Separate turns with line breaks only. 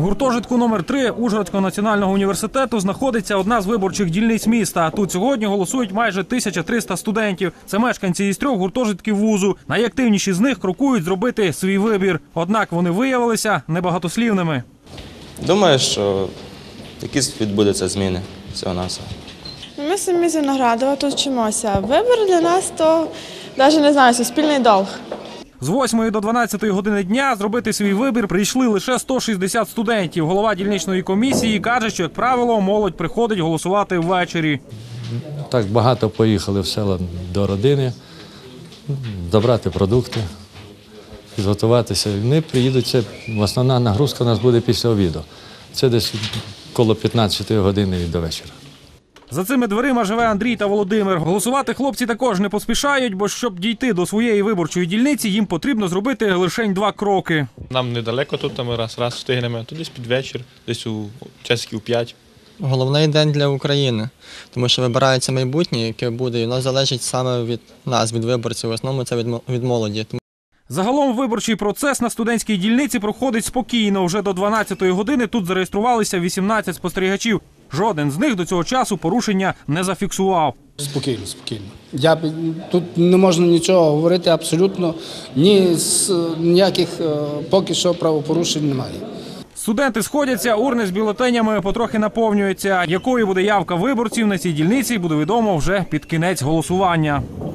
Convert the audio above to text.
гуртожитку номер 3 Ужгородського національного університету знаходиться одна з виборчих дільниць міста. Тут сьогодні голосують майже 1300 студентів. Це мешканці із 3 гуртожитків вузу. Найактивніші з них крокують зробити свій вибір. Однак вони виявилися небагатослівними.
Думаю, що якісь відбудуться зміни всього-навсього.
Ми самі з Виноградова тут вчимося. Вибір для нас – то, навіть не знаю, суспільний долг.
З 8 до 12 години дня зробити свій вибір прийшли лише 160 студентів. Голова дільничної комісії каже, що, як правило, молодь приходить голосувати ввечері.
Так багато поїхали в села до родини, добрати продукти, підготуватися. Вони приїдуть, основна нагрузка у нас буде після обіду. Це десь коло 15 години до вечора.
За цими дверима живе Андрій та Володимир. Голосувати хлопці також не поспішають, бо щоб дійти до своєї виборчої дільниці, їм потрібно зробити лише 2 кроки.
Нам недалеко тут, ми раз встигнемо, то десь під вечір, десь у часиків 5.
Головний день для України, тому що вибирається майбутнє, яке буде, і воно залежить саме від нас, від виборців, в основному це від молоді.
Загалом виборчий процес на студентській дільниці проходить спокійно. Вже до 12-ї години тут зареєструвалися 18 спостерігачів. Жоден з них до цього часу порушення не зафіксував.
Спокійно, спокійно. Тут не можна нічого говорити абсолютно, ніяких поки що правопорушень немає.
Студенти сходяться, урни з бюлетенями потрохи наповнюються. Якою буде явка виборців на цій дільниці, буде відомо вже під кінець голосування.